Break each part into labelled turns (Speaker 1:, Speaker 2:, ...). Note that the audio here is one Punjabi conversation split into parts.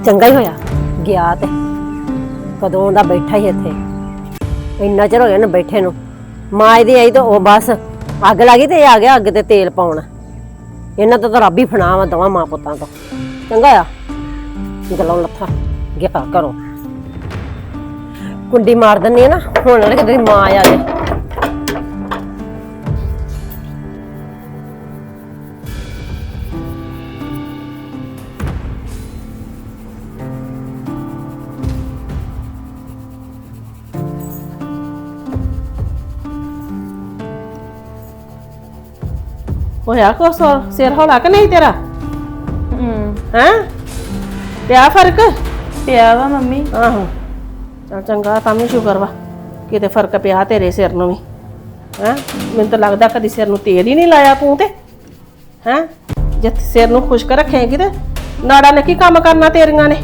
Speaker 1: ਚੰਗਾ ਹੀ ਹੋਇਆ ਗਿਆ ਤੇ ਕਦੋਂ ਦਾ ਬੈਠਾ ਹੀ ਇੱਥੇ ਇੰਨਾ ਚਿਰ ਹੋ ਗਿਆ ਨਾ ਬੈਠੇ ਨੂੰ। ਮਾਂ ਇਹਦੀ ਆਈ ਤਾਂ ਉਹ ਬਸ ਅੱਗ ਲੱਗੀ ਤੇ ਇਹ ਆ ਗਿਆ ਅੱਗ ਤੇ ਤੇਲ ਪਾਉਣ। ਇਹਨਾਂ ਤੋਂ ਤਾਂ ਰੱਬ ਹੀ ਫਨਾ ਵਾ ਦੋਵਾਂ ਮਾਂ ਪੁੱਤਾਂ ਤੋਂ। ਚੰਗਾ ਆ ਗੱਲਾਂ ਲੱਥਾ ਗਿਆ ਕਰੋ ਕੁੰਡੀ ਮਾਰ ਦਿੰਨੀ ਆ ਨਾ ਹੁਣ ਨਾ ਕਿਤੇ ਮਾਂ ਆ ਜਾਏ।
Speaker 2: ਹੋਇਆ ਕੋ ਸਿਰ ਹੌਲਾ ਕਿ ਨਹੀਂ ਤੇਰਾ? ਹੈਂ ਪਿਆ ਫਰਕ?
Speaker 3: ਪਿਆ ਵਾ ਮੰਮੀ।
Speaker 2: ਆਹੋ ਚੱਲ ਚੰਗਾ ਤਾਂ ਵੀ ਸ਼ੁਕਰ ਵਾ ਕਿਤੇ ਫਰਕ ਪਿਆ ਤੇਰੇ ਸਿਰ ਨੂੰ ਵੀ। ਹੈਂ ਮੈਨੂੰ ਤਾਂ ਲੱਗਦਾ ਕਦੀ ਸਿਰ ਨੂੰ ਤੇਲ ਹੀ ਨਹੀਂ ਲਾਇਆ ਤੂੰ ਤੇ। ਹੈਂ ਜੇ ਸਿਰ ਨੂੰ ਖੁਸ਼ਕ ਰੱਖੇਂਗੀ ਤੇ ਨਾੜਾਂ ਨੇ ਕੀ ਕੰਮ ਕਰਨਾ ਤੇਰੀਆਂ ਨੇ?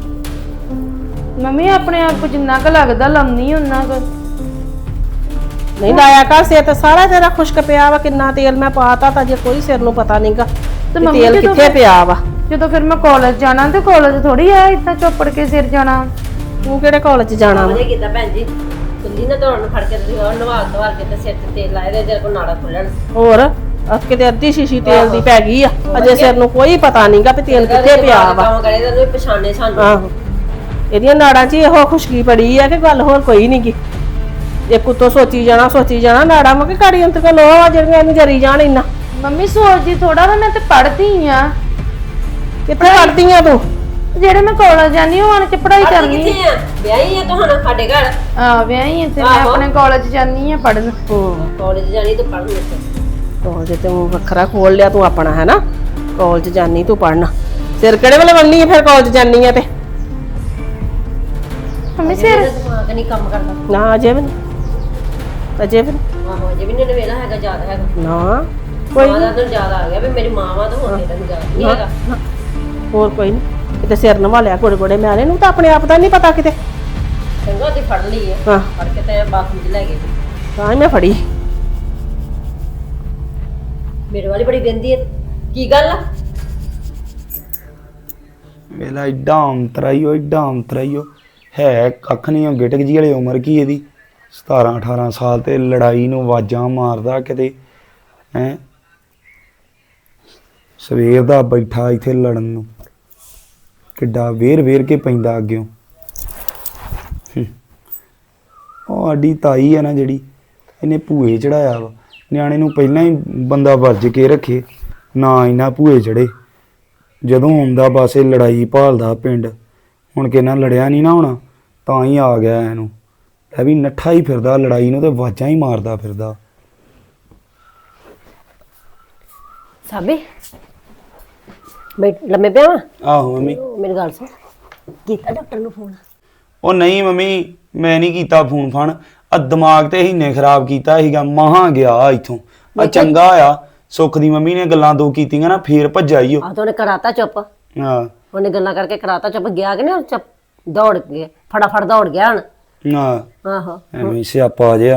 Speaker 3: ਮੰਮੀ ਆਪਣੇ ਆਪ ਕੋ ਜਿੰਨਾ ਕੁ ਲੱਗਦਾ ਲਾਉਣੀ ਉਹਨਾਂ ਕੁ।
Speaker 2: ਨਹੀਂ ਲਾਇਆ ਕਰ ਸਿਰ ਤੇ ਸਾਰਾ ਤੇਰਾ ਖੁਸ਼ਕ ਪਿਆ ਵਾ। ਕਿੰਨਾ ਤੇਲ ਮੈਂ ਪਾਤਾ ਤਾਂ ਜੇ ਕੋਈ ਸਿਰ ਨੂੰ ਪਤਾ ਨਹੀਂਗਾ
Speaker 3: ਮੰਮੀ
Speaker 2: ਤੇਲ ਕਿੱਥੇ ਪਿਆ ਵਾ।
Speaker 3: ਜਦੋਂ ਫਿਰ ਮੈਂ ਕਾਲਜ ਜਾਣਾ ਤੇ ਕਾਲਜ ਥੋੜੀ ਆ ਇਦਾਂ ਚੋਪੜ ਕੇ ਸਿਰ ਜਾਣਾ।
Speaker 2: ਤੂੰ ਕਿਹੜੇ ਕਾਲਜ ਜਾਣਾ ਵਾ?
Speaker 1: ਵਧੀਆ ਕੀਤਾ ਭੈਣ ਜੀ ਕੁੰਡੀ ਨਾ ਦੌੜਨ ਫੜ ਕੇ ਤੁਸੀਂ ਨਵਾਲ ਦਵਾਲ ਕੇ ਤੇ ਸਿਰ ਤੇ ਤੇਲ ਲਾਏ ਦੇ ਜੇ ਕੋ ਨਾੜਾ ਖੁੱਲਣ।
Speaker 2: ਹੋਰ ਕਿਤੇ ਅੱਧੀ ਸ਼ੀਸ਼ੀ ਤੇਲ ਦੀ ਪੈ ਗਈ ਆ ਅਜੇ ਸਿਰ ਨੂੰ ਕੋਈ ਪਤਾ ਨਹੀਂਗਾ ਵੀ ਤੇਲ ਕਿੱਥੇ ਪਿਆ ਵਾ।
Speaker 1: ਕੰਮ ਕਰੇ ਤੈਨੂੰ ਪਛਾਣੇ ਸਾਨੂੰ।
Speaker 2: ਆਹੋ ਇਹਦੀਆਂ ਨਾੜਾਂ 'ਚ ਇਹੋ ਖੁਸ਼ਕੀ ਪੜੀ ਆ ਕਿ ਗੱਲ ਹੋਰ ਕੋਈ ਨਹੀਂ ਗੀ। ਇੱਕ ਉੱਤੋਂ ਸੋਚੀ ਜਾਣਾ ਨਾੜਾਂ ਮੈਂ ਕਿ ਕਾੜੀ ਅੰਤ ਕੋ ਲੋ ਆ ਜਿਹੜੀਆਂ ਇਹਨੂੰ ਜਰੀ ਜਾਣ ਇੰਨਾ।
Speaker 3: ਮੰਮੀ ਸੋਚਦੀ ਥੋੜਾ ਵਾ ਮੈਂ ਤੇ ਪੜ੍ਹਦੀ ਆ।
Speaker 2: ਕਿੱਥੇ ਪੜਦੀ ਆ ਤੂੰ?
Speaker 3: ਜਿਹੜੇ ਮੈਂ ਕਾਲਜ ਜਾਨੀ ਉਹ ਆਣ ਕੇ ਪੜ੍ਹਾਈ ਕਰਨੀ।
Speaker 1: ਕਿੱਥੇ ਆ ਵਿਆਹੀ ਆ ਤੁਹਾਨੂੰ ਸਾਡੇ ਘਰ?
Speaker 3: ਆ ਵਿਆਹੀ ਇੱਥੇ ਮੈਂ ਆਪਣੇ ਕਾਲਜ ਜਾਨੀ ਆ ਪੜਨ।
Speaker 1: ਕਾਲਜ ਜਾਣੀ ਤੂੰ ਪੜਨ ਇੱਥੇ?
Speaker 2: ਕਾਲਜ ਤੂੰ ਵੱਖਰਾ ਖੋਲ ਲਿਆ ਤੂੰ ਆਪਣਾ ਹੈ ਨਾ। ਕਾਲਜ ਜਾਨੀ ਤੂੰ ਪੜਨ। ਸਿਰ ਕਿਹੜੇ ਵੇਲੇ ਬੰਨੀ ਆ ਫਿਰ ਕਾਲਜ ਜਾਨੀ ਆ ਤੇ?
Speaker 3: ਮੰਮੀ ਸਿਰ
Speaker 1: ਦਿਮਾਗ ਨਹੀਂ ਕੰਮ ਕਰਦਾ।
Speaker 2: ਨਾ ਅਜੇ ਵੀ
Speaker 1: ਆਹੋ ਅਜੇ ਵੀ ਨਹੀਂ ਨਵੇਲਾ ਹੈਗਾ ਜ਼ਿਆਦਾ ਹੈਗਾ
Speaker 2: ਨਾ ਕੋਈ
Speaker 1: ਮਾਂ ਦਾ ਤਾਂ ਜ਼ਿਆਦਾ ਆ ਗਿਆ ਵੀ ਮੇਰੀ ਮਾਂ ਵਾ ਤਾਂ ਹੁਣ ਤੇ ਤੈਨੂੰ ਜ਼ਿਆਦਾ ਨਹੀਂ ਹੈਗਾ।
Speaker 2: ਹੋਰ ਕੋਈ ਨਹੀਂ ਕਿਤੇ ਸਿਰ ਨਵਾਲਿਆ ਗੋੜੇ ਮਿਆਲੇ ਨੂੰ ਤਾਂ ਆਪਣੇ ਆਪ ਦਾ ਨਹੀਂ ਪਤਾ ਕਿਤੇ।
Speaker 1: ਚੰਗਾ ਤੇ ਫੜ ਲਈ ਆ
Speaker 2: ਹਾਂ
Speaker 1: ਫੜ ਕੇ ਤੇ ਬਾਥਰੂਮ 'ਚ ਲੈ ਗਏ।
Speaker 2: ਤਾਂ ਹੀ ਮੈਂ ਫੜੀ।
Speaker 1: ਮੇਰੇ ਵਾਲੀ ਬੜੀ ਗੰਦੀ ਹੈ ਕੀ ਗੱਲ ਆ?
Speaker 4: ਵੇਲਾ ਏਡਾ ਅੰਤਰਾਈਓ ਹੈ ਕੱਖ ਨਹੀਂ। ਉਹ ਗਿਟਕ ਜੀ ਵਾਲੀ ਉਮਰ ਕੀ ਇਹਦੀ 17-18 ਸਾਲ ਤੇ ਲੜਾਈ ਨੂੰ ਆਵਾਜ਼ਾਂ ਮਾਰਦਾ ਕਿਤੇ। ਹੈਂ ਸਵੇਰ ਦਾ ਬੈਠਾ ਇੱਥੇ ਲੜਨ ਨੂੰ ਕਿੱਡਾ ਵੇਰ ਕੇ ਪੈਂਦਾ ਅੱਗਿਓਂ। ਉਹ ਸਾਡੀ ਤਾਈ ਹੈ ਨਾ ਜਿਹੜੀ ਇਹਨੇ ਭੂਏ ਚੜਾਇਆ ਵਾ ਨਿਆਣੇ ਨੂੰ। ਪਹਿਲਾਂ ਹੀ ਬੰਦਾ ਵਰਜ ਕੇ ਰੱਖੇ ਨਾ ਇਹਨਾਂ ਭੂਏ ਚੜੇ। ਜਦੋਂ ਆਉਂਦਾ ਬਸ ਇਹ ਲੜਾਈ ਭਾਲਦਾ ਪਿੰਡ। ਹੁਣ ਕਿੰਨਾ ਲੜਿਆ ਨਹੀਂ ਨਾ ਹੋਣਾ ਤਾਂ ਹੀ ਆ ਗਿਆ ਇਹਨੂੰ। ਇਹ ਵੀ ਨੱਠਾ ਹੀ ਫਿਰਦਾ ਲੜਾਈ ਨੂੰ ਤੇ ਆਵਾਜ਼ਾਂ ਹੀ ਮਾਰਦਾ ਫਿਰਦਾ।
Speaker 1: ਸਾਬੀ ਮੈਂ ਲੰਮੇ ਪਿਆ ਵਾਂ?
Speaker 4: ਆਹੋ ਮੰਮੀ।
Speaker 1: ਮੇਰੀ ਗੱਲ ਸੁਣ ਕੀਤਾ ਡਾਕਟਰ ਨੂੰ ਫੋਨ?
Speaker 4: ਉਹ ਨਹੀਂ ਮੰਮੀ ਮੈਂ ਨਹੀਂ ਕੀਤਾ ਫੋਨ ਫਾਨ। ਆ ਦਿਮਾਗ ਤੇ ਹੀਨੇ ਖਰਾਬ ਕੀਤਾ ਸੀਗਾ ਮਹਾਂ ਗਿਆ ਇੱਥੋਂ। ਆ ਚੰਗਾ ਆ ਸੁੱਖ ਦੀ ਮੰਮੀ ਨੇ ਗੱਲਾਂ ਦੋ ਕੀਤੀਆਂ ਨਾ ਫੇਰ ਭੱਜਾ ਹੀ ਉਹ।
Speaker 1: ਆ ਤਾਂ ਉਹਨੇ ਕਰਾਤਾ ਚੁੱਪ।
Speaker 4: ਹਾਂ
Speaker 1: ਉਹਨੇ ਗੱਲਾਂ ਕਰਕੇ ਕਰਾਤਾ ਚੁੱਪ। ਗਿਆ ਕਿ ਨਹੀਂ ਚੁੱਪ ਦੌੜ ਕੇ ਫਟਾਫਟ ਦੌੜ ਗਿਆ ਹੁਣ।
Speaker 4: ਹਾਂ
Speaker 1: ਆਹੋ
Speaker 4: ਐਵੇਂ ਸਿਆਪਾ ਜਿਹਾ।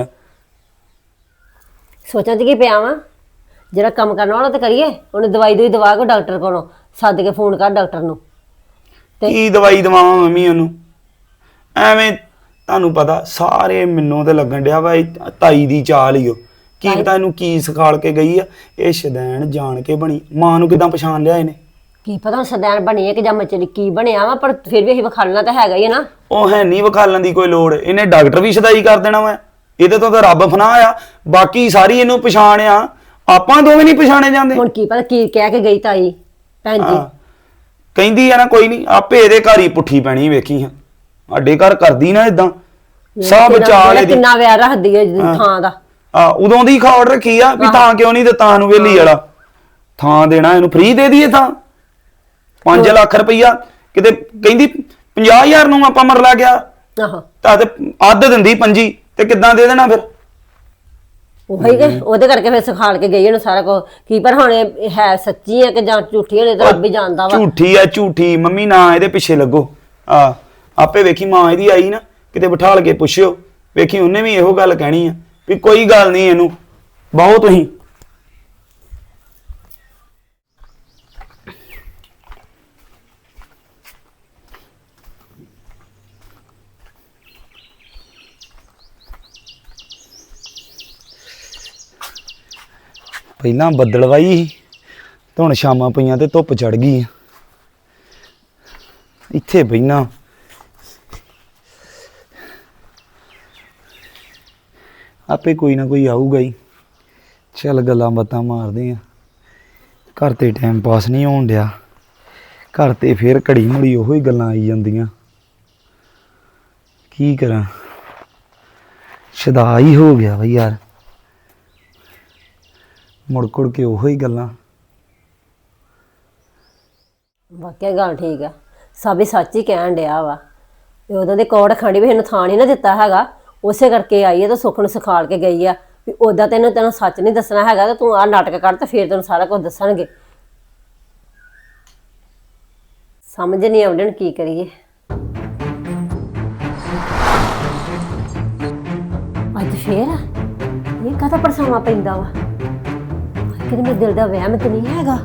Speaker 1: ਸੋਚਾਂ ਚ ਕੀ ਪਿਆ ਵਾ ਜਿਹੜਾ ਕੰਮ ਕਰਨ ਵਾਲਾ ਤੇ ਕਰੀਏ। ਉਹਨੇ ਦਵਾਈ ਦਵਾ ਕੋ ਡਾਕਟਰ ਕੋਲੋਂ ਸੱਦ ਕੇ ਫੋਨ ਕਰ ਡਾਕਟਰ ਨੂੰ।
Speaker 4: ਕੀ ਦਵਾਈ ਦਵਾਵਾਂ ਮੰਮੀ ਉਹਨੂੰ? ਐਵੇਂ ਤੁਹਾਨੂੰ ਪਤਾ ਸਾਰੇ ਮੈਨੂੰ ਤੇ ਲੱਗਣ ਡਿਆ ਵਾ ਤਾਈ ਦੀ ਚਾਲ ਹੀ ਉਹ। ਕੀ ਪਤਾ ਇਹਨੂੰ ਕੀ ਸਿਖਾਲ ਕੇ ਗਈ ਆ। ਇਹ ਸ਼ਦੈਣ ਜਾਣ ਕੇ ਬਣੀ। ਮਾਂ ਨੂੰ ਕਿਦਾਂ ਪਛਾਣ ਲਿਆ ਇਹਨੇ?
Speaker 1: ਕੀ ਪਤਾ ਸਦੈਣ ਬਣੀ ਹੈ ਕਿ ਜਾਂ ਮਚਲੀ ਕੀ ਬਣਿਆ ਵਾ ਪਰ ਫਿਰ ਵੀ ਅਸੀਂ ਵਿਖਾਲਣਾ ਤਾਂ ਹੈਗਾ ਹੀ ਹੈ ਨਾ।
Speaker 4: ਉਹ ਹੈ ਨਹੀਂ ਵਿਖਾਲਣ ਦੀ ਕੋਈ ਲੋੜ। ਇਹਨੇ ਡਾਕਟਰ ਵੀ ਸ਼ਦਾਈ ਕਰ ਦੇਣਾ ਵਾ। ਇਹਦੇ ਤੋਂ ਤਾਂ ਰੱਬ ਫਨਾ ਆ। ਬਾਕੀ ਸਾਰੀ ਇਹਨੂੰ ਪਛਾਣ ਆ। ਆਪਾਂ ਦੋਵੇਂ ਨਹੀਂ ਪਛਾਣੇ ਜਾਂਦੇ।
Speaker 1: ਹੁਣ ਕੀ ਪਤਾ ਕੀ ਕਹਿ ਕੇ ਗਈ ਤਾਈ ਭੈਣ ਜੀ।
Speaker 4: ਕਹਿੰਦੀ ਆ ਨਾ ਕੋਈ ਨਹੀਂ ਆਪੇ ਇਹਦੇ ਘਰ ਹੀ ਪੁੱਠੀ ਪੈਣੀ ਵੇਖੀ ਹਾਂ। ਸਾਡੇ ਘਰ ਕਰਦੀ ਨਾ ਇਦਾਂ ਸਭ ਚਾਲ ਇਹਦੀ।
Speaker 1: ਕਿੰਨਾ ਵਿਆਹ ਰੱਖਦੀ ਹੈ ਥਾਂ ਦਾ।
Speaker 4: ਉਦੋਂ ਦੀ ਖੌੜ ਰੱਖੀ ਆ ਵੀ ਥਾਂ ਕਿਉਂ ਨਹੀਂ ਦਿੱਤਾ ਨੂੰ ਵੇਲੀ ਵਾਲਾ। ਥਾਂ ਦੇਣਾ ਇਹਨੂੰ ਫ੍ਰੀ ਦੇ ਦਈਏ ਥਾਂ। 5 ਲੱਖ ਰੁਪਈਆ ਕਿਤੇ ਕਹਿੰਦੀ 50,000 ਨੂੰ ਆਪਾਂ ਮਰਲਾ ਗਿਆ।
Speaker 1: ਆਹੋ
Speaker 4: ਤਾਂ ਤੇ ਅੱਧ ਦਿੰਦੀ 25 ਤੇ ਕਿੱਦਾਂ ਦੇ ਦੇਣਾ ਫਿਰ?
Speaker 1: ਉਹੀ ਕਿ ਉਹਦੇ ਕਰਕੇ ਫਿਰ ਸਿਖਾਲ ਕੇ ਗਈ ਉਹਨੂੰ ਸਾਰਾ ਕੁਝ। ਕੀ ਪਰ ਹੁਣ ਇਹ ਹੈ ਸੱਚੀ ਹੈ ਕਿ ਜਾਂ ਝੂਠੀ ਹੈ ਤਾਂ ਰੱਬ ਹੀ ਜਾਣਦਾ ਵਾ।
Speaker 4: ਝੂਠੀ ਆ ਝੂਠੀ ਮੰਮੀ ਨਾ ਇਹਦੇ ਪਿੱਛੇ ਲੱਗੋ। ਆਪੇ ਵੇਖੀ ਮਾਂ ਇਹਦੀ ਆਈ ਨਾ ਕਿਤੇ ਬਿਠਾਲ ਕੇ ਪੁੱਛਿਓ ਵੇਖੀ ਉਹਨੇ ਵੀ ਇਹੋ ਗੱਲ ਕਹਿਣੀ ਆ ਵੀ ਕੋਈ ਗੱਲ ਨਹੀਂ ਇਹਨੂੰ ਬਹੁਤ ਤੁਸੀਂ। ਪਹਿਲਾਂ ਬੱਦਲਵਾਈ ਸੀ ਤੇ ਹੁਣ ਸ਼ਾਮਾਂ ਪਈਆਂ ਤੇ ਧੁੱਪ ਚੜ ਗਈ ਆ। ਇੱਥੇ ਬਹਿਣਾ ਆਪੇ ਕੋਈ ਨਾ ਕੋਈ ਆਊਗਾ ਹੀ। ਚੱਲ ਗੱਲਾਂ ਬਾਤਾਂ ਮਾਰਦੇ ਆ। ਘਰ ਤੇ ਟਾਈਮ ਪਾਸ ਨਹੀਂ ਹੋਣ ਡਿਆ। ਘਰ ਤੇ ਫੇਰ ਘੜੀ ਮੁੜੀ ਉਹੋ ਹੀ ਗੱਲਾਂ ਆਈ ਜਾਂਦੀਆਂ। ਕੀ ਕਰਾਂ, ਸ਼ਦਾ ਹੀ ਹੋ ਗਿਆ ਬਈ ਯਾਰ, ਮੁੜ ਕੇ ਉਹੋ ਹੀ ਗੱਲਾਂ।
Speaker 1: ਵਾਕਿਆ ਗੱਲ ਠੀਕ ਆ, ਸਭ ਹੀ ਸੱਚ ਹੀ ਕਹਿਣ ਡਿਆ ਵਾ। ਤੇ ਉਹਦੇ ਦੇ ਕੋੜ ਖੰਡੀ ਵੀ ਇਹਨੂੰ ਥਾਂ ਨਹੀਂ ਨਾ ਦਿੱਤਾ ਹੈਗਾ, ਉਸੇ ਕਰਕੇ ਆਈ ਹੈ ਤਾਂ ਸੁੱਖ ਨੂੰ ਸਿਖਾਲ ਕੇ ਗਈ ਆ ਵੀ ਉਦਾਂ ਤੈਨੂੰ ਸੱਚ ਨਹੀਂ ਦੱਸਣਾ ਹੈਗਾ ਤੇ ਤੂੰ ਆਹ ਨਾਟਕ ਕਰ ਤੇ ਫੇਰ ਤੈਨੂੰ ਸਾਰਾ ਕੁਝ ਦੱਸਣਗੇ। ਸਮਝ ਨਹੀਂ ਆਉਂਦੀ ਹੁਣ ਕੀ ਕਰੀਏ। ਅੱਜ ਫੇਰ ਇਹ ਕਾਹਦਾ ਪਰਛਾਵਾਂ ਪੈਂਦਾ ਵਾ? ਕਿਤੇ ਮੇਰੇ ਦਿਲ ਦਾ ਵਹਿਮ ਤੇ ਨਹੀਂ ਹੈਗਾ।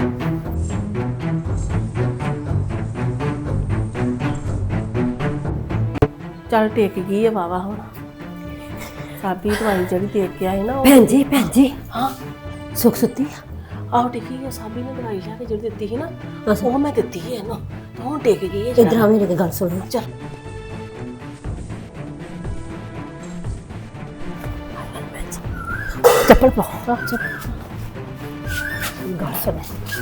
Speaker 2: ਚੱਲ ਟਿਕ ਗਈ ਹੈ ਵਾਵਾ ਹੁਣ। ਸਾਬੀ ਦਵਾਈ ਜਿਹੜੀ ਦੇ ਕੇ ਆਏ ਨਾ ਉਹ
Speaker 1: ਭੈਣ ਜੀ
Speaker 2: ਹਾਂ
Speaker 1: ਸੁੱਖ ਸੁੱਤੀ ਆ?
Speaker 2: ਆਹ ਟਿਕੀ ਹੈ। ਸਾਬੀ ਨੇ ਦਵਾਈ ਲਿਆ ਕੇ ਜਿਹੜੀ ਦਿੱਤੀ ਸੀ ਨਾ ਉਹ ਮੈਂ ਦਿੱਤੀ ਹੈ ਇਹਨੂੰ, ਤੇ ਹੁਣ ਟਿਕ ਗਈ ਹੈ।
Speaker 1: ਇਧਰ ਆ ਮੇਰੀ ਗੱਲ ਸੁਣ।
Speaker 2: ਚੱਲ
Speaker 1: ਚੱਪਲ ਪਾ। ਗੱਲ ਸੁਣ।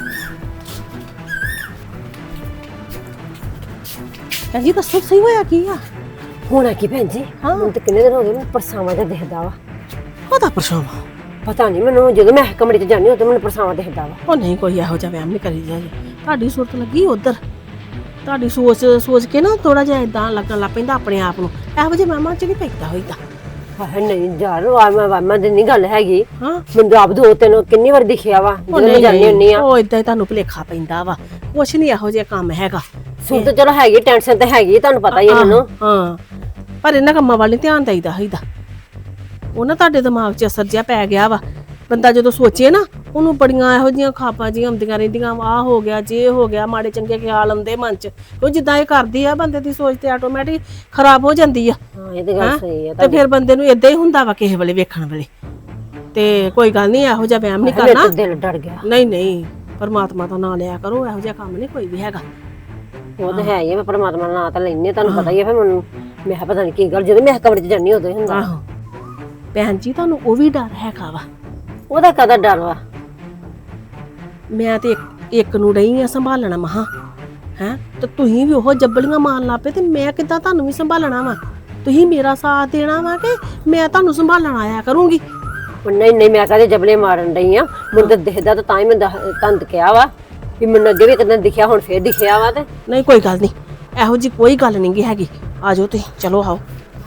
Speaker 2: ਭੈਣ ਜੀ ਦੱਸੋ ਸਹੀ ਹੋਇਆ ਕੀ ਆ?
Speaker 1: ਹੋਣਾ ਕੀ ਭੈਣ ਜੀ, ਹੁਣ ਤਾਂ ਕਿੰਨੇ ਦਿਨ ਹੋ ਗਏ ਮੈਨੂੰ ਪਰਛਾਵਾਂ ਜਿਹਾ ਦਿਖਦਾ ਵਾ।
Speaker 2: ਉਹਦਾ ਪਰਛਾਵਾਂ
Speaker 1: ਪਤਾ ਨਹੀਂ ਮੈਨੂੰ, ਜਦੋਂ ਮੈਂ ਕਮਰੇ 'ਚ ਜਾਂਦੀ ਉਦੋਂ ਮੈਨੂੰ ਪਰਛਾਵਾਂ ਦਿਖਦਾ ਵਾ।
Speaker 2: ਉਹ ਨਹੀਂ ਕੋਈ ਇਹੋ ਜਿਹਾ ਵਹਿਮ ਨਹੀਂ ਕਰੀ ਜਾਏ। ਤੁਹਾਡੀ ਸੁਰਤ ਲੱਗੀ ਉਧਰ, ਤੁਹਾਡੀ ਸੋਚ ਕੇ ਨਾ ਥੋੜਾ ਜਿਹਾ ਇਦਾਂ ਲੱਗਣ ਲੱਗ ਪੈਂਦਾ ਆਪਣੇ ਆਪ ਨੂੰ। ਇਹੋ ਜਿਹੇ ਵਹਿਮਾਂ 'ਚ ਨਹੀਂ ਪੈਂਦਾ ਹੋਈਦਾ।
Speaker 1: ਹਾਏ ਨਹੀਂ ਯਾਰ, ਵਾਮਾ ਦੀ ਨਹੀਂ ਗੱਲ ਹੈਗੀ।
Speaker 2: ਹਾਂ
Speaker 1: ਮੈਨੂੰ ਆਪ ਦੋ ਤੈਨੂੰ ਕਿੰਨੀ ਵਾਰ ਦਿਖਿਆ ਵਾ ਜਦੋਂ ਮੈਂ ਜਾਂਦੀ ਹੁੰਨੀ ਆ।
Speaker 2: ਉਹ ਇਦਾਂ ਹੀ ਤੁਹਾਨੂੰ ਭੁਲੇਖਾ ਪੈਂਦਾ ਵਾ, ਕੁਛ ਨਹੀਂ ਇਹੋ ਜਿਹਾ ਕੰਮ ਹੈਗਾ।
Speaker 1: ਸੁਣ ਤਾਂ ਚਲੋ ਹੈਗੀ, ਟੈਨਸ਼ਨ ਤਾਂ ਹੈਗੀ, ਤੁਹਾਨੂੰ ਪਤਾ ਹੀ ਹੈ ਮੈਨੂੰ।
Speaker 2: ਹਾਂ ਪਰ ਇਹਨਾਂ ਕੰਮਾਂ ਵੱਲ ਨੀ ਧਿਆਨ ਦੇਈਦਾ ਹੋਈਦਾ। ਉਹ ਨਾ ਤੁਹਾਡੇ ਦਿਮਾਗ 'ਚ ਅਸਰ ਜਿਹਾ ਪੈ ਗਿਆ ਵਾ। ਬੰਦਾ ਜਦੋਂ ਸੋਚੇ ਨਾ ਉਹਨੂੰ ਬੜੀਆਂ ਇਹੋ ਜਿਹੀਆਂ ਖਾਪਾਂ ਜਿਹੀਆਂ ਆਉਂਦੀਆਂ ਰਹਿੰਦੀਆਂ। ਆਹ ਹੋ ਗਿਆ, ਜੇ ਹੋ ਗਿਆ, ਮਾੜੇ ਚੰਗੇ ਖਿਆਲ ਆਉਂਦੇ ਮਨ 'ਚ। ਉਹ ਜਿੱਦਾਂ ਇਹ ਕਰਦੀ ਆ ਬੰਦੇ ਦੀ ਸੋਚ ਤੇ ਆਟੋਮੈਟਿਕ ਖਰਾਬ ਹੋ ਜਾਂਦੀ ਆ।
Speaker 1: ਹਾਂ ਇਹ ਤਾਂ ਗੱਲ ਸਹੀ ਹੈ।
Speaker 2: ਤੇ ਫਿਰ ਬੰਦੇ ਨੂੰ ਇਦਾਂ ਹੀ ਹੁੰਦਾ ਵਾ ਕਿਸੇ ਵੇਲੇ ਵੇਖਣ ਵੇਲੇ। ਤੇ ਕੋਈ ਗੱਲ ਨਹੀਂ, ਇਹੋ ਜਿਹਾ ਵਹਿਮ ਨਹੀਂ ਕਰਨਾ।
Speaker 1: ਦਿਲ ਡਰ ਗਿਆ।
Speaker 2: ਨਹੀਂ ਪਰਮਾਤਮਾ ਦਾ ਨਾਮ ਲਿਆ ਕਰੋ, ਇਹੋ ਜਿਹਾ ਕੰਮ ਨਹੀਂ ਕੋਈ ਵੀ ਹੈਗਾ।
Speaker 1: ਉਹ ਤਾਂ ਹੈ ਹੀ ਆ, ਮੈਂ ਪਰਮਾਤਮਾ ਦਾ ਨਾਂ ਤਾਂ ਲੈਣੀ, ਤੁਹਾਨੂੰ ਪਤਾ ਹੀ ਹੈ। ਫਿਰ ਮੈਨੂੰ ਮੈਂ ਕਿਹਾ ਪਤਾ ਨਹੀਂ ਕੀ ਗੱਲ, ਜਦੋਂ ਮੈਂ ਕਮਰੇ 'ਚ ਜਾਂਦੀ ਉਦੋਂ ਹੀ ਹੁੰਦਾ।
Speaker 2: ਆਹੋ ਭੈਣ ਜੀ ਤੁਹਾਨੂੰ ਉਹ ਵੀ ਡਰ ਹੈਗਾ ਵਾ।
Speaker 1: ਉਹਦਾ ਕਾਹਦਾ ਡਰ ਵਾ?
Speaker 2: ਮੈਂ ਤੇ ਇੱਕ ਨੂੰ ਰਹੀ ਆ ਸੰਭਾਲਣਾ ਮਹਾ ਹੈ, ਤੇ ਤੁਸੀਂ ਵੀ ਉਹ ਜੱਬਲੀਆਂ ਮਾਰਨ ਲੱਪੇ ਤੇ ਮੈਂ ਕਿੱਦਾਂ ਤੁਹਾਨੂੰ ਵੀ ਸੰਭਾਲਣਾ ਵਾ? ਤੁਸੀਂ ਮੇਰਾ ਸਾਥ ਦੇਣਾ ਵਾ ਕਿ ਮੈਂ ਤੁਹਾਨੂੰ ਸੰਭਾਲਣ ਆਇਆ ਕਰੂੰਗੀ?
Speaker 1: ਨਹੀਂ ਮੈਂ ਕਹਦੇ ਜਬਲੇ ਮਾਰਨ ਡਈ ਆ। ਮੈਨੂੰ ਤਾਂ ਦਿਖਦਾ ਤਾਂ ਹੀ ਮੈਂ ਤੁਹਾਨੂੰ ਕਿਹਾ ਵਾ ਵੀ ਮੈਨੂੰ ਅੱਗੇ ਵੀ ਇੱਕ ਦਿਨ ਦਿਖਿਆ, ਹੁਣ ਫੇਰ ਦਿਖਿਆ ਵਾ। ਤੇ
Speaker 2: ਨਹੀਂ ਕੋਈ ਗੱਲ ਨਹੀਂ, ਇਹੋ ਜੀ ਕੋਈ ਗੱਲ ਨਹੀਂ ਗੀ ਹੈਗੀ। ਆ ਜਾਓ ਤੁਸੀਂ, ਚਲੋ ਆਓ।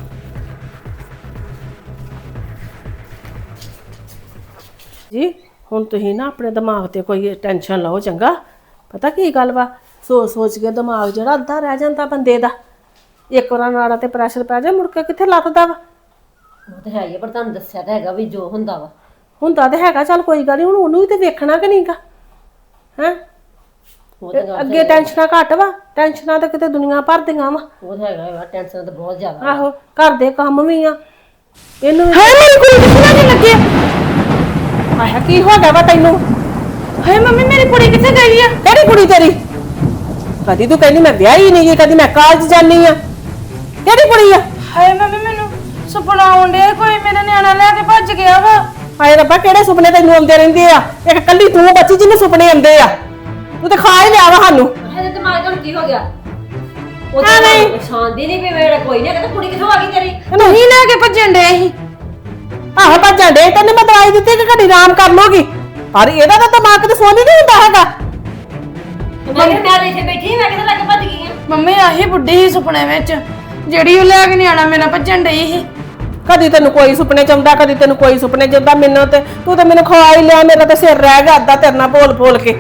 Speaker 2: ਜੀ ਹੁਣ ਤੁਸੀਂ ਨਾ ਆਪਣੇ ਦਿਮਾਗ ਤੇ ਕੋਈ ਟੈਨਸ਼ਨ ਲਓ ਚੰਗਾ। ਪਤਾ ਕੀ ਗੱਲ ਵਾ, ਸੋਚ ਕੇ ਦਿਮਾਗ ਜਿਹੜਾ ਅੱਧਾ ਰਹਿ ਜਾਂਦਾ ਬੰਦੇ ਦਾ। ਇੱਕ ਵਾਰ ਨਾੜਾ ਤੇ ਪ੍ਰੈਸ਼ਰ ਪੈ ਜਾ, ਮੁੜ ਕੇ ਕਿੱਥੇ ਲੱਥਦਾ ਵਾ।
Speaker 1: ਉਹ ਤਾਂ ਹੈ ਹੀ, ਪਰ ਤੁਹਾਨੂੰ ਦੱਸਿਆ ਤਾਂ ਹੈਗਾ ਵੀ ਜੋ ਹੁੰਦਾ ਵਾ
Speaker 2: ਹੁੰਦਾ ਤੇ ਹੈਗਾ। ਚੱਲ ਕੋਈ ਗੱਲ ਨਹੀਂ, ਹੁਣ ਉਹਨੂੰ ਵੀ ਤੇ ਵੇਖਣਾ ਕਿ ਨਹੀਂਗਾ ਹੈ। ਅੱਗੇ ਟੈਨਸ਼ਨਾਂ ਘੱਟ ਵਾ, ਟੈਨਸ਼ਨਾਂ ਤਾਂ ਕਿਤੇ ਦੁਨੀਆ ਭਰ ਦੀਆਂ ਵਾ।
Speaker 1: ਉਹ ਤਾਂ ਹੈਗਾ, ਟੈਨਸ਼ਨ ਤਾਂ ਬਹੁਤ ਜ਼ਿਆਦਾ।
Speaker 2: ਆਹੋ ਘਰ ਦੇ ਕੰਮ ਵੀ ਆ, ਇਹਨੂੰ ਵੀ। ਹਾਏ ਮੇਰੀ ਕੁੜੀ ਕਿੱਥੇ ਨਹੀਂ ਲੱਗੀ? ਆਹ ਕੀ ਹੋ ਗਿਆ ਵਾ ਤੈਨੂੰ?
Speaker 3: ਹਾਏ ਮੰਮੀ ਮੇਰੀ ਕੁੜੀ ਕਿੱਥੇ ਗਈ ਆ?
Speaker 2: ਕਿਹੜੀ ਕੁੜੀ ਤੇਰੀ? ਕਦੀ ਤੂੰ ਕਹਿੰਦੀ ਮੈਂ ਵਿਆਹੀ ਨਹੀਂ ਗਈ, ਕਦੀ ਮੈਂ ਕਾਲਜ ਜਾਨੀ ਆ। ਕਿਹੜੀ ਕੁੜੀ ਆ?
Speaker 3: ਹਾਏ ਮੰਮੀ ਮੈਨੂੰ ਸੁਪਨਾ ਆਉਂਦਿਆ, ਕੋਈ ਮੇਰਾ ਨਿਆਣਾ ਲੈ ਕੇ ਭੱਜ ਗਿਆ ਵਾ।
Speaker 2: ਹਾਏ ਰੱਬਾ, ਕਿਹੜੇ ਸੁਪਨੇ ਤੈਨੂੰ ਆਉਂਦੇ ਰਹਿੰਦੇ ਆ? ਇੱਕ ਕੱਲੀ ਤੂੰ ਬੱਚੀ ਜਿਹਨੂੰ ਸੁਪਨੇ ਆਉਂਦੇ ਆ। ਤੂੰ ਤੇ ਖਾ ਹੀ ਲਿਆ ਵਾ ਸਾਨੂੰ।
Speaker 1: ਇਹਦੇ ਦਿਮਾਗ ਨੂੰ ਕੀ ਹੋ ਗਿਆ? ਉਹ ਤਾਂ ਪਛਾਣਦੀ ਨਹੀਂ ਵੀ ਮੇਰਾ ਕੋਈ ਨਹੀਂ। ਕਹਿੰਦਾ ਕੁੜੀ ਕਿੱਥੋਂ ਆ ਗਈ ਤੇਰੀ?
Speaker 3: ਨਹੀਂ ਲੈ ਕੇ ਭੱਜਣ ਡਏ ਸੀ।
Speaker 2: ਆਹੋ ਭੱਜਣ ਦੇ, ਤੈਨੂੰ ਮੈਂ ਦਵਾਈ ਦਿੱਤੀ ਕਿ ਘੜੀ ਆਰਾਮ ਕਰ ਲੋਗੀ। ਪਰ ਇਹਦਾ ਤਾਂ ਦਿਮਾਗ ਤੇ ਸੋਨੀ ਨਹੀਂ ਹੁੰਦਾ ਹੈਗਾ।
Speaker 1: ਮੈਂ ਇੱਥੇ ਬੈਠੀ, ਮੈਂ ਕਿੱਥੇ ਲੱਗ ਭੱਜ ਗਈ ਆ?
Speaker 3: ਮੰਮੀ ਆਹੀ ਬੁੱਢੀ ਸੀ ਸੁਪਨੇ ਵਿੱਚ, ਜਿਹੜੀ ਉਹ ਲੈ ਕੇ ਨਿਆਣਾ ਮੇਰਾ ਭੱਜਣ ਡਈ ਸੀ।
Speaker 2: ਕਦੀ ਤੈਨੂੰ ਕੋਈ ਸੁਪਨੇ ਚ ਆਉਂਦਾ, ਕਦੀ ਤੈਨੂੰ ਕੋਈ ਸੁਪਨੇ ਚ ਆਉਂਦਾ। ਮੈਨੂੰ ਤੇ ਤੂੰ ਤੇ ਮੈਨੂੰ ਖਵਾ ਹੀ ਲਿਆ, ਮੇਰਾ ਤੇ ਸਿਰ ਰਹਿ ਗਿਆ ਅੱਧਾ ਤੇਰੇ ਨਾਲ ਬੋਲ ਕੇ।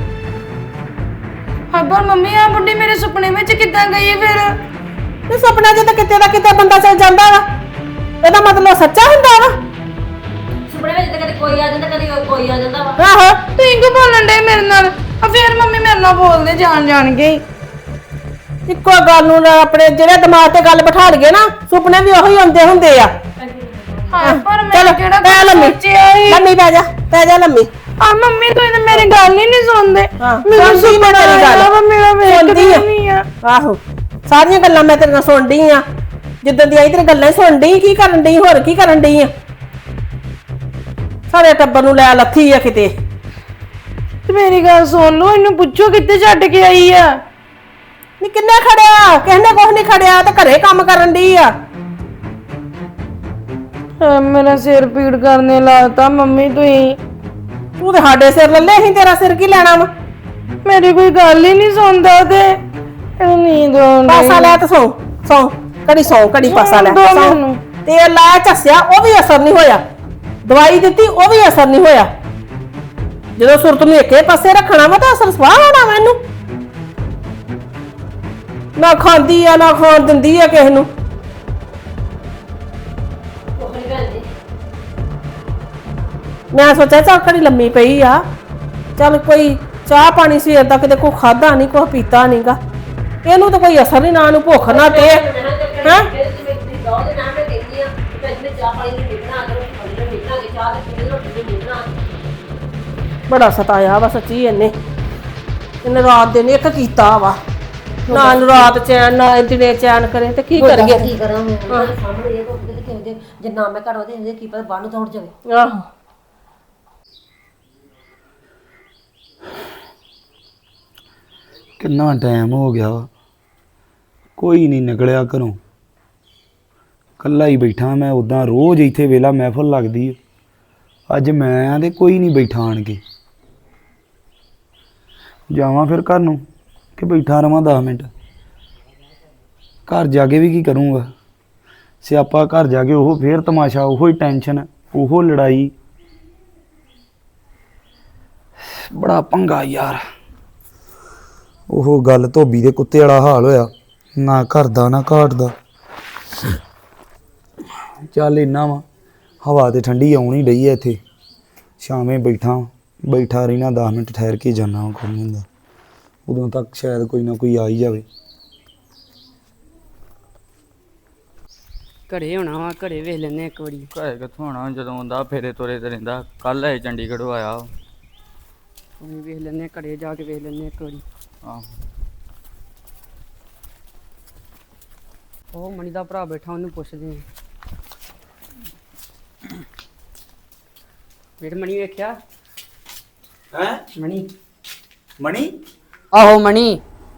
Speaker 3: ਹਾਂ ਪਰ ਮੰਮੀ ਆ ਬੁੱਢੀ ਮੇਰੇ ਸੁਪਨੇ ਵਿੱਚ ਕਿੱਦਾਂ ਗਈ ਫਿਰ?
Speaker 2: ਇਹ ਸੁਪਨਾ ਚ ਤਾਂ ਕਿਤੇ ਦਾ ਕਿਤੇ ਬੰਦਾ ਚੱਲ ਜਾਂਦਾ ਵਾ। ਇਹਦਾ ਮਤਲਬ ਸੱਚਾ ਹੁੰਦਾ ਵਾ।
Speaker 1: ਸੁਪਨੇ ਵਿੱਚ ਤਾਂ ਕਦੇ ਕੋਈ ਆ ਜਾਂਦਾ, ਕਦੇ ਕੋਈ ਆ ਜਾਂਦਾ ਵਾ।
Speaker 2: ਆਹੋ
Speaker 3: ਤੁਸੀਂ ਕਿਉਂ ਬੋਲਣ ਡੇ ਮੇਰੇ ਨਾਲ? ਆ ਫਿਰ ਮੰਮੀ ਮੇਰੇ ਨਾਲ ਬੋਲਦੇ ਜਾਣ ਕੇ।
Speaker 2: ਇੱਕੋ ਗੱਲ ਨੂੰ ਆਪਣੇ ਜਿਹੜੇ ਦਿਮਾਗ ਤੇ ਗੱਲ ਬਿਠਾ ਲਈਏ ਨਾ, ਸੁਪਨੇ ਵੀ ਉਹੀ ਆਉਂਦੇ ਹੁੰਦੇ ਆ।
Speaker 3: ਹਾਂ ਪਰ ਮੈਂ
Speaker 2: ਚਲੋ
Speaker 3: ਕਿਹੜਾ
Speaker 2: ਪੈ ਲੰਮੀ,
Speaker 3: ਸੋਚਿਆ ਸੀ।
Speaker 2: ਲੰਮੀ ਪੈ ਜਾ। ਪੈ ਜਾ ਲੰਮੀ।
Speaker 3: ਆ ਮੰਮੀ ਤੂੰ ਇਹਨੇ ਮੇਰੀ ਗੱਲ ਹੀ ਨਹੀਂ ਸੁਣਦੇ
Speaker 2: ਹਾਂ,
Speaker 3: ਮੈਨੂੰ
Speaker 2: ਸੁਣਦੀ ਮੈਂ ਤੇਰੀ ਗੱਲ।
Speaker 3: ਆਇਆ ਵਾ, ਮੇਰਾ
Speaker 2: ਸੁਣਦੀ
Speaker 3: ਵੇਖਦੀ
Speaker 2: ਆ।
Speaker 3: ਨਹੀਂ ਆ।
Speaker 2: ਆਹੋ ਸਾਰੀਆਂ ਗੱਲਾਂ ਮੈਂ ਤੇਰੇ ਨਾਲ ਸੁਣਦੀ ਆ। ਜਿੱਦਾਂ ਦੀ ਆਈ ਤੇਰੇ ਗੱਲਾਂ ਹੀ ਸੁਣਦੀ। ਕੀ ਕਰਨ ਡਈ ਹੋਰ ਕੀ ਕਰਨ ਡਈ ਆ? ਸਾਰੇ ਟੱਬਰ ਨੂੰ ਲੈ ਲੱਥੀ ਆ ਕਿਤੇ।
Speaker 3: ਤੇ ਮੇਰੀ ਗੱਲ ਸੁਣ ਲਓ, ਇਹਨੂੰ ਪੁੱਛੋ ਕਿੱਥੇ ਛੱਡ ਕੇ ਆਈ ਆ।
Speaker 2: ਨੀ ਕਿੰਨੇ ਖੜਿਆ? ਕਹਿੰਦੇ ਕੁਛ ਨਹੀਂ ਖੜਿਆ ਤੇ ਘਰੇ ਕੰਮ ਕਰਨ ਡਈ ਆ।
Speaker 3: ਮੇਰਾ ਸਿਰ ਪੀੜ ਕਰਨੇ ਲਾਤਾ ਮੰਮੀ ਤੁਸੀਂ।
Speaker 2: ਤੂੰ ਤੇ ਸਾਡੇ ਸਿਰ ਲੱਲੇ, ਅਸੀਂ ਤੇਰਾ ਸਿਰ ਕੀ ਲੈਣਾ ਵਾ?
Speaker 3: ਮੇਰੀ ਕੋਈ ਗੱਲ ਹੀ ਨਹੀਂ ਸੁਣਦਾ ਤੇ ਇਹਨੂੰ ਨੀਂਦ ਆਉਂਦੀ।
Speaker 2: ਪਾਸਾ ਲੈ ਤੇ ਸੌ ਸੌ ਕੜੀ ਪਾਸਾ ਲੈ
Speaker 3: ਦੋ
Speaker 2: ਸੌਂ।
Speaker 3: ਮੈਨੂੰ।
Speaker 2: ਤੇਲ ਲਾਇਆ ਝੱਸਿਆ, ਉਹ ਵੀ ਅਸਰ ਨਹੀਂ ਹੋਇਆ। ਦਵਾਈ ਦਿੱਤੀ, ਉਹ ਵੀ ਅਸਰ ਨਹੀਂ ਹੋਇਆ। ਜਦੋਂ ਸੁਰਤ ਨੂੰ ਇੱਕੇ ਪਾਸੇ ਰੱਖਣਾ ਵਾ ਤਾਂ ਅਸਰ ਸਵਾਹ ਹੋਣਾ ਵਾ ਇਹਨੂੰ। ਨਾ ਖਾਂਦੀ ਆ ਨਾ ਖਾਣ ਦਿੰਦੀ ਆ ਕਿਸੇ ਨੂੰ। ਮੈਂ ਸੋਚਿਆ ਚੱਲ ਘੜੀ ਲੰਮੀ ਪਈ ਆ, ਚੱਲ ਕੋਈ ਚਾਹ ਪਾਣੀ ਸਵੇਰ ਦਾ ਕਿਤੇ ਕੋਈ ਖਾਦਾ ਨਹੀਂ, ਕੋਈ ਪੀਤਾ ਨਹੀਂਗਾ। ਇਹਨੂੰ ਤਾਂ ਕੋਈ ਅਸਰ ਨਹੀਂ, ਨਾ ਨੂੰ ਭੁੱਖ ਨਾ ਤੇ ਹੈਂ। ਬੜਾ ਸਤਾਇਆ ਵਾ ਸੱਚੀ ਇਹਨੇ ਰਾਤ ਦਿਨ ਇੱਕ ਕੀਤਾ ਵਾ। ਨਾ ਇਹਨੂੰ ਰਾਤ ਚੈਨ ਨਾ ਦਿਨੇ ਚੈਨ ਕਰੇ ਤੇ ਕੀ ਕਰੀਏ?
Speaker 1: ਕੀ ਕਰਾਂ ਮੈਂ ਉਹਨਾਂ ਦੇ ਸਾਹਮਣੇ ਇਹ ਕੋਈ ਕਿਤੇ ਕਿਉਂ ਜੇ ਨਾ ਮੈਂ ਘਰ ਉਹਦੇ ਇਹਦੇ ਕੀ ਪਤਾ ਬਾਹਰ ਨੂੰ ਦੌੜ ਜਾਵੇ।
Speaker 2: ਆਹੋ
Speaker 4: ਕਿੰਨਾ ਟਾਈਮ ਹੋ ਗਿਆ ਵਾ, ਕੋਈ ਨਹੀਂ ਨਿਕਲਿਆ ਘਰੋਂ। ਕੱਲਾ ਹੀ ਬੈਠਾ ਮੈਂ। ਉਦਾਂ ਰੋਜ਼ ਇੱਥੇ ਵੇਲਾ ਮਹਿਫਲ ਲੱਗਦੀ ਹੈ। ਅੱਜ ਮੈਂ ਆ ਤੇ ਕੋਈ ਨਹੀਂ ਬੈਠਾ ਆਣ ਕੇ। ਜਾਵਾਂ ਫਿਰ ਘਰ ਨੂੰ ਕਿ ਬੈਠਾ ਰਵਾਂ 10 ਮਿੰਟ? ਘਰ ਜਾ ਕੇ ਵੀ ਕੀ ਕਰੂੰਗਾ? ਸਿਆਪਾ ਘਰ ਜਾ ਕੇ ਉਹ ਫੇਰ ਤਮਾਸ਼ਾ, ਉਹੋ ਹੀ ਟੈਨਸ਼ਨ, ਉਹੋ ਲੜਾਈ। ਬੜਾ ਪੰਗਾ ਯਾਰ। ਉਹ ਗੱਲ ਧੋਬੀ ਦੇ ਕੁੱਤੇ ਵਾਲਾ ਹਾਲ ਹੋਇਆ, ਨਾ ਘਰ ਦਾ ਨਾ ਘਾਟ ਦਾ। ਚੱਲ ਇੰਨਾ ਵਾ, ਹਵਾ ਤੇ ਠੰਡੀ ਆਉਣੀ ਡਈ ਐ ਇੱਥੇ। ਸ਼ਾਮੇ ਬੈਠਾ ਰਹਿਣਾ, 10 ਮਿੰਟ ਠਹਿਰ ਕੇ ਜਾਣਾ। ਕੋਈ ਨਹੀਂ ਹੁੰਦਾ, ਉਦੋਂ ਤੱਕ ਸ਼ਾਇਦ ਕੋਈ ਨਾ ਕੋਈ ਆ ਹੀ ਜਾਵੇ।
Speaker 5: ਘਰੇ ਹੋਣਾ ਵਾ, ਘਰੇ ਵੇਖ ਲੈਨੇ ਇੱਕ ਵਾਰੀ।
Speaker 6: ਘਰੇ ਕਿੱਥੋਂ ਆਉਣਾ ਜਦੋਂ ਆਉਂਦਾ ਫੇਰੇ ਤੋਰੇ ਤੇ ਰਹਿੰਦਾ। ਕੱਲ ਇਹ ਚੰਡੀਗੜ੍ਹੋਂ ਆਇਆ।
Speaker 5: ਉਹਨੇ ਵੇਖ ਲੈਨੇ, ਘਰੇ ਜਾ ਕੇ ਵੇਖ ਲੈਨੇ ਇੱਕ ਵਾਰੀ।
Speaker 6: ਆਹੋ
Speaker 5: ਉਹ ਮਣੀ ਦਾ ਭਰਾ ਬੈਠਾ, ਉਹਨੂੰ ਪੁੱਛਦੇ ਆ। ਵੀਰ ਮਣੀ ਵੇਖਿਆ?
Speaker 4: ਹੈਂ? ਮਣੀ
Speaker 5: ਆਹੋ ਮਣੀ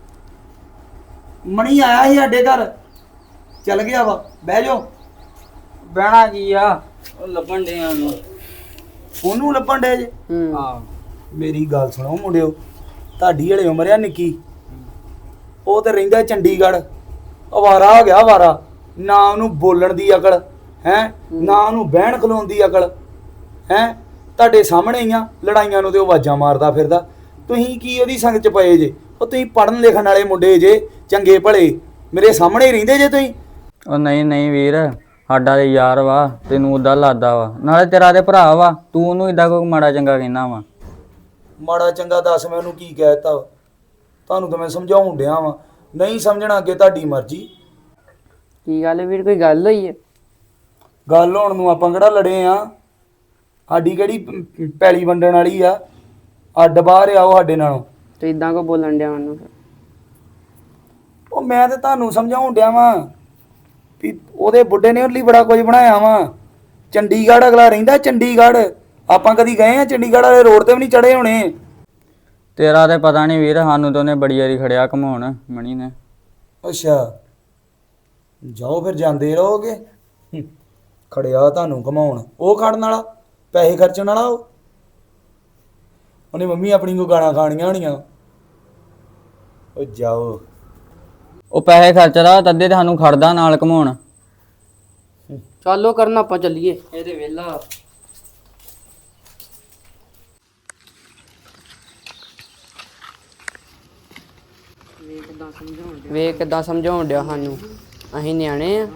Speaker 4: ਆਇਆ ਸੀ ਸਾਡੇ ਘਰ, ਚੱਲ ਗਿਆ ਵਾ। ਬਹਿ ਜਾਓ।
Speaker 6: ਬਹਿਣਾ ਕੀ ਆ, ਉਹ ਲੱਭਣ ਦੇ ਉਹਨੂੰ।
Speaker 4: ਉਹਨੂੰ ਲੱਭਣ ਡੇ ਜੇ?
Speaker 6: ਆਹ
Speaker 4: ਮੇਰੀ ਗੱਲ ਸੁਣੋ ਮੁੰਡਿਓ, ਤੁਹਾਡੀ ਹਲੇ ਉਮਰ ਆ ਨਿੱਕੀ। ਉਹ ਤੇ ਰਹਿੰਦਾ ਚੰਡੀਗੜ੍ਹ, ਅਵਾਰਾ ਹੋ ਗਿਆ ਅਵਾਰਾ। ਨਾ ਉਹਨੂੰ ਬੋਲਣ ਦੀ ਅਕਲ ਹੈ, ਨਾ ਉਹਨੂੰ ਬਹਿਣ ਖਲੋਣ ਦੀ ਅਕਲ ਹੈ। ਤੁਹਾਡੇ ਸਾਹਮਣੇ ਹੀ ਆ, ਲੜਾਈਆਂ ਨੂੰ ਤੇ ਉਹ ਆਵਾਜ਼ਾਂ ਮਾਰਦਾ ਫਿਰਦਾ। ਤੁਸੀਂ ਕੀ ਉਹਦੀ ਸੰਗ ਚ ਪਏ ਜੇ? ਉਹ ਤੁਸੀਂ ਪੜ੍ਹਨ ਲਿਖਣ ਵਾਲੇ ਮੁੰਡੇ ਜੇ, ਚੰਗੇ ਭਲੇ, ਮੇਰੇ ਸਾਹਮਣੇ ਹੀ ਰਹਿੰਦੇ ਜੇ ਤੁਸੀਂ।
Speaker 6: ਉਹ ਨਹੀਂ ਵੀਰ, ਸਾਡਾ ਤੇ ਯਾਰ ਵਾ, ਤੈਨੂੰ ਉਦਾਂ ਲੱਗਦਾ ਵਾ। ਨਾਲੇ ਤੇਰਾ ਤੇ ਭਰਾ ਵਾ, ਤੂੰ ਉਹਨੂੰ ਇਦਾਂ ਕੋਈ ਮਾੜਾ ਚੰਗਾ ਕਹਿਣਾ ਵਾ।
Speaker 4: ਮਾੜਾ ਚੰਗਾ ਦੱਸ ਮੈਂ ਉਹਨੂੰ ਕੀ ਕਹਿ ਤਾ? ਤੁਹਾਨੂੰ ਤਾਂ ਮੈਂ ਸਮਝਾਉਣ ਡਿਆ ਵਾਂ, ਨਹੀਂ ਸਮਝਣਾ ਅੱਗੇ ਤੁਹਾਡੀ ਮਰਜ਼ੀ।
Speaker 5: ਕੀ ਗੱਲ ਵੀਰ, ਕੋਈ ਗੱਲ ਹੋਈ ਹੈ?
Speaker 4: ਗੱਲ ਹੋਣ ਨੂੰ ਆਪਾਂ ਕਿਹੜਾ ਲੜੇ ਆ? ਸਾਡੀ ਕਿਹੜੀ ਪੈਲੀ ਵੰਡਣ ਵਾਲੀ ਆ? ਅੱਡ ਬਾਹਰ ਆ ਉਹ ਸਾਡੇ ਨਾਲੋਂ।
Speaker 5: ਤੇ ਇਦਾਂ ਕੋ ਬੋਲਣ ਡਿਆ ਉਹਨੂੰ?
Speaker 4: ਉਹ ਮੈਂ ਤੇ ਤੁਹਾਨੂੰ ਸਮਝਾਉਣ ਡਿਆ ਵਾਂ ਵੀ ਉਹਦੇ ਬੁੱਢੇ ਨੇ ਉਹਦੇ ਲਈ ਬੜਾ ਕੁਝ ਬਣਾਇਆ ਵਾ। ਚੰਡੀਗੜ੍ਹ ਅਗਲਾ ਰਹਿੰਦਾ, ਚੰਡੀਗੜ੍ਹ। ਆਪਾਂ ਕਦੀ ਗਏ ਆ ਚੰਡੀਗੜ੍ਹ ਵਾਲੇ ਰੋਡ ਤੇ ਵੀ ਨਹੀਂ ਚੜੇ ਹੋਣੇ।
Speaker 6: ਤੇਰਾ ਤੇ ਪਤਾ ਨਹੀਂ ਵੀਰ, ਸਾਨੂੰ ਤਾਂ ਉਹਨੇ ਬੜੀ ਵਾਰੀ ਖੜਿਆ ਘਮਾਉਣ, ਮਣੀ ਨੇ।
Speaker 4: ਅੱਛਾ, ਜਾਓ ਫਿਰ, ਜਾਂਦੇ ਰਹੋਗੇ। ਖੜਿਆ ਤੁਹਾਨੂੰ ਘਮਾਉਣ, ਉਹ ਖੜਨ ਵਾਲਾ, ਪੈਸੇ ਖਰਚਣ ਵਾਲਾ। ਉਹਨੇ ਮੰਮੀ ਆਪਣੀ ਕੋ ਗਾਣਾ ਖਾਣੀਆਂ ਹੋਣੀਆਂ। ਉਹ ਜਾਓ।
Speaker 6: ਉਹ ਪੈਸੇ ਖਰਚਦਾ ਤੱਦੇ ਤੇ ਸਾਨੂੰ ਖੜਦਾ ਨਾਲ ਘਮਾਉਣ।
Speaker 5: ਚੱਲੋ ਕਰਨ, ਆਪਾਂ ਚੱਲੀਏ। ਇਹਦੇ ਵੇਲਾ ਵੇਖ ਕਿੱਦਾਂ ਸਮਝਾਉਣ ਡਿਆ ਸਾਨੂੰ। ਅਸੀਂ ਨਿਆਣੇ ਆ।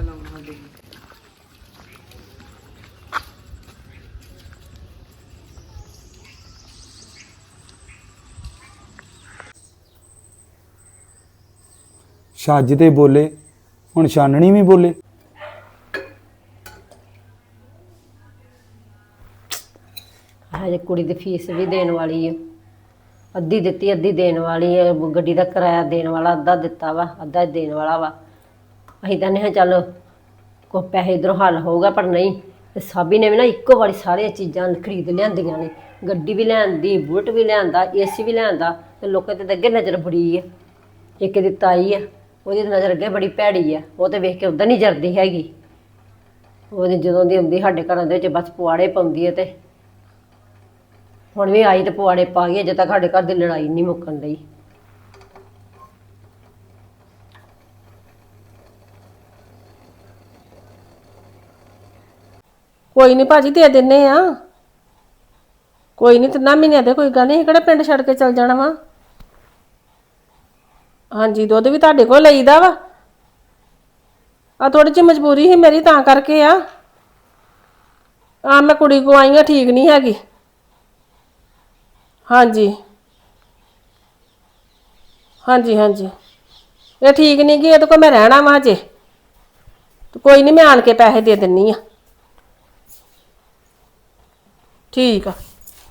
Speaker 4: ਛੱਜ ਤੇ ਬੋਲੇ, ਹੁਣ ਛਾਨਣੀ ਵੀ ਬੋਲੇ।
Speaker 1: ਹਜੇ ਕੁੜੀ ਦੀ ਫੀਸ ਵੀ ਦੇਣ ਵਾਲੀ ਹੈ, ਅੱਧੀ ਦਿੱਤੀ ਅੱਧੀ ਦੇਣ ਵਾਲੀ ਹੈ। ਗੱਡੀ ਦਾ ਕਿਰਾਇਆ ਦੇਣ ਵਾਲਾ ਅੱਧਾ ਦਿੱਤਾ ਵਾ, ਅੱਧਾ ਦੇਣ ਵਾਲਾ ਵਾ। ਅਸੀਂ ਤਾਂ ਨਹੀਂ ਚੱਲ ਕੋਈ ਪੈਸੇ ਇੱਧਰੋਂ ਹੱਲ ਹੋਊਗਾ, ਪਰ ਨਹੀਂ। ਤੇ ਸਾਬੀ ਨੇ ਵੀ ਨਾ ਇੱਕੋ ਵਾਰੀ ਸਾਰੀਆਂ ਚੀਜ਼ਾਂ ਖਰੀਦ ਲਿਆਂਦੀਆਂ ਨੇ, ਗੱਡੀ ਵੀ ਲਿਆਂਦੀ, ਬੁਲਟ ਵੀ ਲਿਆਂਦਾ, ਏਸੀ ਵੀ ਲਿਆਂਦਾ। ਤੇ ਲੋਕਾਂ ਤੇ ਅੱਗੇ ਨਜ਼ਰ ਬੜੀ ਹੈ। ਇੱਕ ਦੀ ਤਾਈ ਆ, ਉਹਦੀ ਤਾਂ ਨਜ਼ਰ ਅੱਗੇ ਬੜੀ ਭੈੜੀ ਆ, ਉਹ ਤੇ ਵੇਖ ਕੇ ਉਦਾਂ ਨਹੀਂ ਜਰਦੀ ਹੈਗੀ। ਉਹਦੀ ਜਦੋਂ ਦੀ ਆਉਂਦੀ ਸਾਡੇ ਘਰਾਂ ਦੇ ਵਿੱਚ ਬਸ ਪੁਆੜੇ ਪਾਉਂਦੀ ਹੈ। ਤੇ ਹੁਣ ਵੀ ਆਈ ਤੇ ਪੁਆੜੇ ਪਾ ਗਈ, ਅਜੇ ਤੱਕ ਸਾਡੇ ਘਰ ਦੀ ਲੜਾਈ ਨਹੀਂ ਮੁੱਕਣ ਡਈ।
Speaker 2: ਕੋਈ ਨਹੀਂ ਭਾਜੀ ਦੇ ਦਿੰਨੇ ਆ, ਕੋਈ ਨਹੀਂ 3 ਮਹੀਨਿਆਂ ਦੇ, ਕੋਈ ਗੱਲ ਨਹੀਂ। ਕਿਹੜਾ ਪਿੰਡ ਛੱਡ ਕੇ ਚਲ ਜਾਣਾ ਵਾ। ਹਾਂਜੀ ਦੁੱਧ ਵੀ ਤੁਹਾਡੇ ਕੋਲ ਲਈਦਾ ਵਾ। ਆ ਥੋੜੀ ਜਿਹੀ ਮਜਬੂਰੀ ਸੀ ਮੇਰੀ, ਤਾਂ ਕਰਕੇ ਆ ਮੈਂ ਕੁੜੀ ਕੋ ਆਈ ਆ, ਠੀਕ ਨਹੀਂ ਹੈਗੀ। ਹਾਂਜੀ ਹਾਂਜੀ ਹਾਂਜੀ ਇਹ ਠੀਕ ਨਹੀਂ ਗੀ, ਇਹਦੇ ਕੋਲ ਮੈਂ ਰਹਿਣਾ ਵਾ ਹਜੇ। ਤੇ ਕੋਈ ਨਹੀਂ, ਮੈਂ ਆਣ ਕੇ ਪੈਸੇ ਦੇ ਦਿੰਨੀ ਆ। ਠੀਕ ਆ।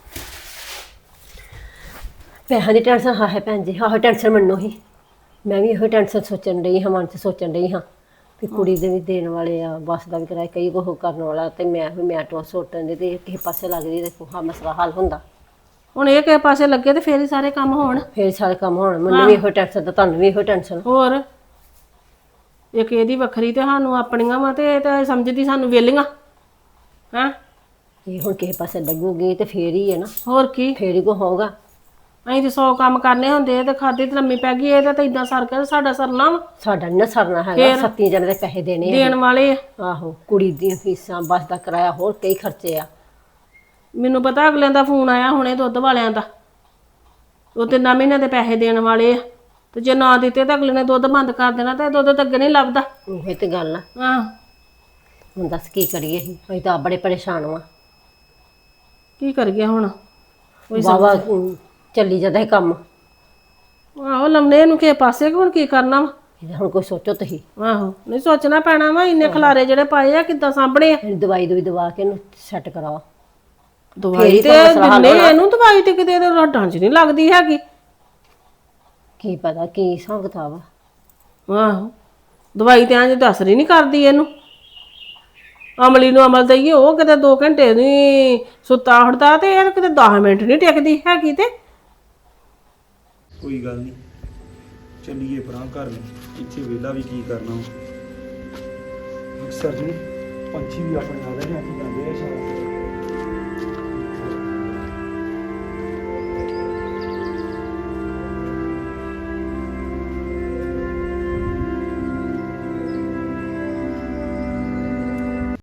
Speaker 1: ਪੈਸਿਆਂ ਦੀ ਟੈਨਸ਼ਨ ਹੈ ਭੈਣ ਜੀ, ਆਹੋ ਟੈਨਸ਼ਨ ਮੈਨੂੰ ਹੀ। ਮੈਂ ਵੀ ਇਹੋ ਟੈਨਸ਼ਨ ਸੋਚਣ ਡਈ ਹਾਂ, ਮਨ 'ਚ ਸੋਚਣ ਡਈ ਹਾਂ ਵੀ ਕੁੜੀ ਦੇ ਵੀ ਦੇਣ ਵਾਲੇ ਆ, ਬੱਸ ਦਾ ਵੀ ਕਿਰਾਇਆ ਕਈ ਕੁਛ ਕਰਨ ਵਾਲਾ। ਤੇ ਮੈਂ ਟੋਸ ਸੋਟਣ ਦੀ ਤੇ ਕਿਸੇ ਪਾਸੇ ਲੱਗਦੀ ਤੇ ਹਾਂ ਮਸਲਾ ਹੱਲ ਹੁੰਦਾ।
Speaker 2: ਹੁਣ ਇਹ ਕਿਸੇ ਪਾਸੇ ਲੱਗੇ ਤੇ ਫੇਰ ਹੀ ਸਾਰੇ ਕੰਮ ਹੋਣ।
Speaker 1: ਫੇਰ ਸਾਰੇ ਕੰਮ ਹੋਣ। ਮੈਨੂੰ ਵੀ ਇਹੋ ਟੈਨਸ਼ਨ ਤੇ ਤੁਹਾਨੂੰ ਵੀ ਇਹੋ ਟੈਨਸ਼ਨ।
Speaker 2: ਹੋਰ ਇੱਕ ਇਹਦੀ ਵੱਖਰੀ ਤੇ ਸਾਨੂੰ ਆਪਣੀਆਂ ਵਾ, ਤੇ ਇਹ ਤਾਂ ਸਮਝਦੀ ਸਾਨੂੰ ਵੇਲੀਆਂ ਹੈਂ।
Speaker 1: ਇਹ ਹੁਣ ਕਿਸੇ ਪਾਸੇ ਲੱਗੂਗੀ ਤੇ ਫੇਰ ਹੀ ਹੈ ਨਾ,
Speaker 2: ਹੋਰ ਕੀ,
Speaker 1: ਫੇਰ ਹੀ ਕੋ ਹੋਊਗਾ।
Speaker 2: ਅਸੀਂ ਤੇ 100 ਕੰਮ ਕਰਨੇ ਹੁੰਦੇ ਤੇ ਖਾਦੀ ਤੇ ਲੰਮੀ ਪੈ ਗਈ। ਇਹ ਤਾਂ ਇਦਾਂ ਸਰ ਕੇ ਸਾਡਾ ਸਰਨਾ ਵਾ।
Speaker 1: ਸਾਡਾ ਨੀ ਨਾ ਸਰਨਾ ਹੈਗਾ, 7 ਜਣੇ ਦੇ ਪੈਸੇ ਦੇਣੇ ਆ।
Speaker 2: ਦੇਣ ਵਾਲੇ ਆ।
Speaker 1: ਆਹੋ ਕੁੜੀ ਦੀਆਂ ਫੀਸਾਂ, ਬੱਸ ਦਾ ਕਿਰਾਇਆ, ਹੋਰ ਕਈ ਖਰਚੇ ਆ।
Speaker 2: ਮੈਨੂੰ ਪਤਾ ਅਗਲਿਆਂ ਦਾ ਫੋਨ ਆਇਆ ਹੁਣੇ ਦੁੱਧ ਵਾਲਿਆਂ ਦਾ, ਉਹ 3 ਮਹੀਨਿਆਂ ਦੇ ਪੈਸੇ ਦੇਣ ਵਾਲੇ ਆ। ਤੇ ਜੇ ਨਾ ਦਿੱਤੇ ਤਾਂ ਅਗਲੇ ਨੇ ਦੁੱਧ ਬੰਦ ਕਰ ਦੇਣਾ, ਤੇ ਦੁੱਧ ਤਾਂ ਅੱਗੇ ਨਹੀਂ ਲੱਭਦਾ।
Speaker 1: ਉਹੀ ਤੇ ਗੱਲ ਆ।
Speaker 2: ਆਹ
Speaker 1: ਹੁਣ ਦੱਸ ਕੀ ਕਰੀਏ, ਅਸੀਂ ਤਾਂ ਆਪ ਬੜੇ ਪਰੇਸ਼ਾਨ ਵਾਂ।
Speaker 2: ਕੀ ਕਰੀਏ ਹੁਣ।
Speaker 1: ਵਾਵਾ ਚੱਲੀ ਜਾਂਦਾ ਹੈ ਕੰਮ।
Speaker 2: ਆਹੋ ਲੰਮੇ ਇਹਨੂੰ ਕਿਸੇ ਪਾਸੇ, ਹੁਣ ਕੀ ਕਰਨਾ ਵਾ।
Speaker 1: ਇਹਦਾ ਹੁਣ ਕੋਈ ਸੋਚੋ ਤੁਸੀਂ।
Speaker 2: ਆਹੋ ਨਹੀਂ ਸੋਚਣਾ ਪੈਣਾ ਵਾ। ਇੰਨੇ ਖਲਾਰੇ ਜਿਹੜੇ ਪਾਏ ਆ ਕਿੱਦਾਂ ਸਾਂਭਣੇ ਆ।
Speaker 1: ਇਹਨੂੰ ਦਵਾਈ ਦਵਾ ਕੇ ਇਹਨੂੰ ਸੈੱਟ ਕਰਾਓ।
Speaker 2: ਦਵਾਈ ਤੇ ਦਿੰਨੇ ਇਹਨੂੰ, ਦਵਾਈ ਤੇ ਕਿਤੇ ਹੱਡਾਂ 'ਚ ਨਹੀਂ ਲੱਗਦੀ ਹੈਗੀ।
Speaker 1: ਕੀ ਪਤਾ ਕੀ ਹਿਸਾਬ ਕਿਤਾਬ ਆ।
Speaker 2: ਆਹੋ ਦਵਾਈ ਤੇ ਇੰਜ ਦੱਸ ਰਹੀ ਨਹੀਂ ਕਰਦੀ ਇਹਨੂੰ। ਅਮਲੀ ਨੂੰ ਅਮਲ ਦਈਏ, ਉਹ ਕਿਤੇ 2 ਘੰਟੇ ਨਹੀਂ ਸੁੱਤਾ ਉੱਠਦਾ, ਤੇ ਇਹ ਕਿਤੇ 10 ਮਿੰਟ ਨਹੀਂ ਟਿਕਦੀ ਹੈਗੀ। ਤੇ
Speaker 4: ਕੋਈ ਗੱਲ ਨਹੀਂ, ਚੱਲੀਏ ਪਰਾਂ ਘਰ ਨੂੰ, ਇੱਥੇ ਵਿਹਲਾ ਵੀ ਕੀ ਕਰਨਾ। ਅਕਸਰ ਜੀ ਪੰਛੀ ਵੀ ਆਪਣੇ ਆ ਰਹੇ ਨੇ।